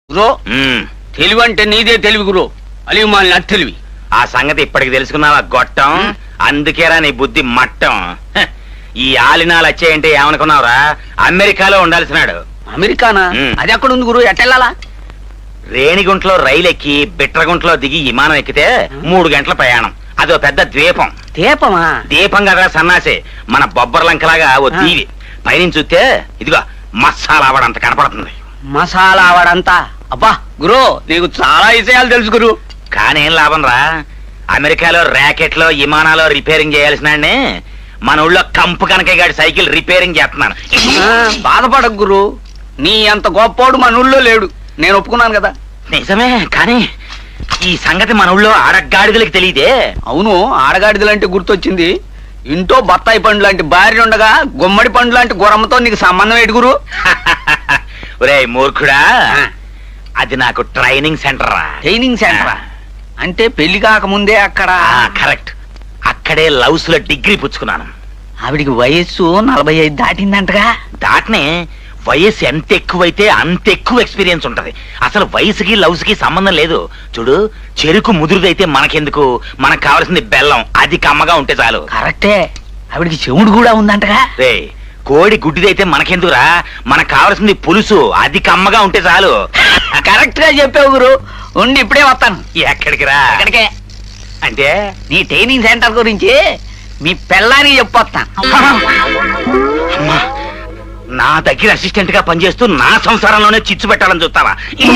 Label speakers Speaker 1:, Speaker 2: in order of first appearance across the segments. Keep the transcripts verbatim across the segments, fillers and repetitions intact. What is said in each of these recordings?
Speaker 1: గురో తెలివి అంటే నీదే తెలివి గురో అలివి మాలిన తెలివి.
Speaker 2: ఆ సంగతి ఇప్పటికి తెలుసుకున్నావా గొట్టం? అందుకేరా నీ బుద్ధి మట్టం. హ, ఈ ఆలినాలు వచ్చాయంటే ఏమనుకున్నావురా? అమెరికాలో ఉండాల్సినాడు.
Speaker 1: అమెరికానా?
Speaker 2: మ్.
Speaker 1: అది ఎక్కడ ఉంది గురు, ఎట్టెళ్ళాలా?
Speaker 2: రేణిగుంటలో రైలు ఎక్కి బిట్రగుంటలో దిగి విమానం ఎక్కితే మూడు గంటల ప్రయాణం. అదో పెద్ద ద్వీపం.
Speaker 1: దీపమా?
Speaker 2: దీపం కదా సన్నాసే, మన బొబ్బర్ లంకలాగా ఓ దీవి. పైనుంచి చూస్తే ఇదిగో మసాలా ఆవడంత కనపడుతుంది.
Speaker 1: మసాలా వాడంతా. అబ్బా గురు, నీకు చాలా విషయాలు తెలుసు గురు.
Speaker 2: కానీ ఏం లాభం రా, అమెరికాలో ర్యాకెట్లో విమానాలు రిపేరింగ్ చేయాల్సిన మన ఊళ్ళో కంపు కనకగాడి సైకిల్ రిపేరింగ్ చేస్తున్నాను.
Speaker 1: ఆ, బాధపడకు గురు, నీ అంత గొప్పోడు మన ఊళ్ళో లేడు, నేను ఒప్పుకున్నాను కదా.
Speaker 2: నిజమే, కానీ ఈ సంగతి మన ఊళ్ళో ఆడగాడిదలకి తెలియదే.
Speaker 1: అవును, ఆడగాడిదలంటే గుర్తొచ్చింది. ఇంట్లో బత్తాయి పండు లాంటి భార్య ఉండగా గుమ్మడి పండు లాంటి గుర్రమ్మతో నీకు సంబంధం ఏంటి గురు?
Speaker 2: ఒరే మూర్ఖుడా, అది నాకు ట్రైనింగ్ సెంటర్ రా.
Speaker 1: ట్రైనింగ్ సెంటరా? అంటే పెళ్లి కాకముందే అక్కడ?
Speaker 2: కరెక్ట్, అక్కడే లవ్స్ లో డిగ్రీ పుచ్చుకున్నాను.
Speaker 1: ఆవిడికి వయస్సు నలభై ఐదు దాటిందంటగా.
Speaker 2: దాటనే వయస్సు ఎంత ఎక్కువైతే అంత ఎక్కువ ఎక్స్పీరియన్స్ ఉంటది. అసలు వయసుకి లవ్స్ కి సంబంధం లేదు. చూడు, చెరుకు ముదురుదైతే మనకెందుకు, మనకు కావాల్సింది బెల్లం, అది కమ్మగా ఉంటే చాలు.
Speaker 1: కరెక్టే, ఆవిడికి చెవుడు కూడా ఉందంటగా.
Speaker 2: రే, కోడి గుడ్డిదైతే మనకెందుకురా, మనకు కావాల్సింది పులుసు, అది కమ్మగా ఉంటే చాలు.
Speaker 1: కరెక్ట్ గా చెప్పావు గురు, ఉండి ఇప్పుడే వస్తాను.
Speaker 2: ఎక్కడికి రా?
Speaker 1: ఎక్కడికే
Speaker 2: అంటే
Speaker 1: నీ ట్రైనింగ్ సెంటర్ గురించి మీ పెళ్ళానికి చెప్పొస్తాను.
Speaker 2: అమ్మా, నా దగ్గర అసిస్టెంట్ గా పనిచేస్తూ నా సంసారంలోనే చిచ్చు పెట్టాలని చూస్తావా?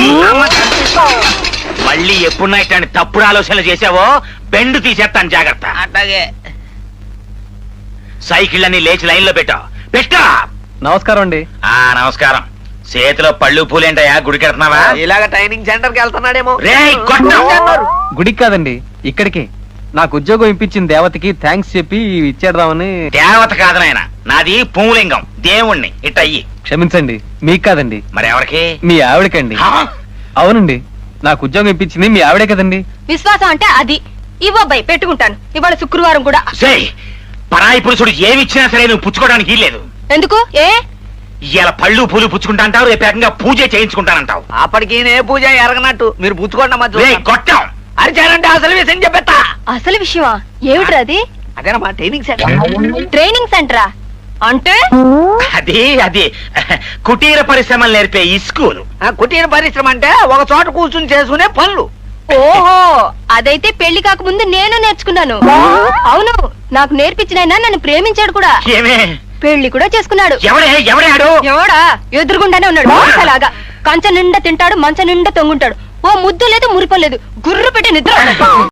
Speaker 2: మళ్ళీ ఎప్పుడున్నా ఇట్లాంటి తప్పుడు ఆలోచనలు చేసావో బెండు తీసేస్తాను, జాగ్రత్త.
Speaker 1: అట్లాగే.
Speaker 2: సైకిల్ అన్ని లేచి లైన్ లో పెట్టా పెట్టా.
Speaker 3: నమస్కారం అండి.
Speaker 2: ఆ నమస్కారం. చేతిలో పళ్ళు పూలేంటయా, గుడికెడుతున్నావా?
Speaker 1: ఇలాగ ట్రైనింగ్ సెంటర్ కి వెళ్తున్నాడేమో.
Speaker 2: రేయ్, గొట్టం!
Speaker 3: గుడికి కాదండి, ఇక్కడికి. నాకు ఉద్యోగం ఇప్పించిన దేవతకి థ్యాంక్స్ చెప్పి ఇచ్చేద్దామని.
Speaker 2: దేవత కాదు నాయన, నాది పూలింగం, దేవుణ్ణి. ఇట్ట అయ్యి.
Speaker 3: క్షమించండి, మీకు కాదండి,
Speaker 2: మరి ఎవరికి?
Speaker 3: మీ ఆవిడకండి.
Speaker 2: హా?
Speaker 3: అవునండి, నాకు ఉద్యోగం ఇప్పించింది మీ ఆవిడే కదండి.
Speaker 4: విశ్వాసం అంటే అది. ఇవ్వబ్బాయి, పెట్టుకుంటాను. ఇవాళ శుక్రవారం కూడా.
Speaker 2: సేయ్, పరాయి పురుషుడు ఏమిచ్చినా సరే నువ్వు పుచ్చుకోవడానికి లేదు.
Speaker 4: ఎందుకు? ఏ
Speaker 2: ఇలా పళ్ళు పూలు పుచ్చుకుంటా అంటావు, రేపు ఏకంగా పూజ చేయించుకుంటానంటావు.
Speaker 1: అప్పటికి నే పూజ ఎరగనట్టు మీరు పుచ్చుకోండి అమ్మా.
Speaker 2: రేయ్, గొట్టం!
Speaker 1: అరిచారంటే అసలు విషయం చెప్పేస్తా.
Speaker 4: అసలు విషయమా? ఏమిట్రా అది?
Speaker 1: అదేనమ్మా ట్రైనింగ్ సెంటర్.
Speaker 4: ట్రైనింగ్ సెంటరా అంటే?
Speaker 2: అది అది కుటీర పరిశ్రమలు నేర్పే ఈ స్కూలు.
Speaker 1: ఆ, కుటీర పరిశ్రమ అంటే ఒక చోట కూర్చుని చేసుకునే పనులు.
Speaker 4: ఓహో, అదైతే పెళ్లి కాకముందు నేను నేర్చుకున్నాను. అవును, నాకు నేర్పించిన నన్ను ప్రేమించాడు కూడా.
Speaker 2: ఏమే?
Speaker 4: పెళ్లి కూడా చేసుకున్నాడు.
Speaker 2: ఎవడే ఎవడాడు?
Speaker 4: ఎవడా? ఎదురుగుండానే ఉన్నాడు. అలాగా కంచ నిండా తింటాడు, మంచ నిండా తొంగుంటాడు. ఓ ముద్దు లేదు, మురిపలేదు, గుర్రు పెట్టి నిద్ర.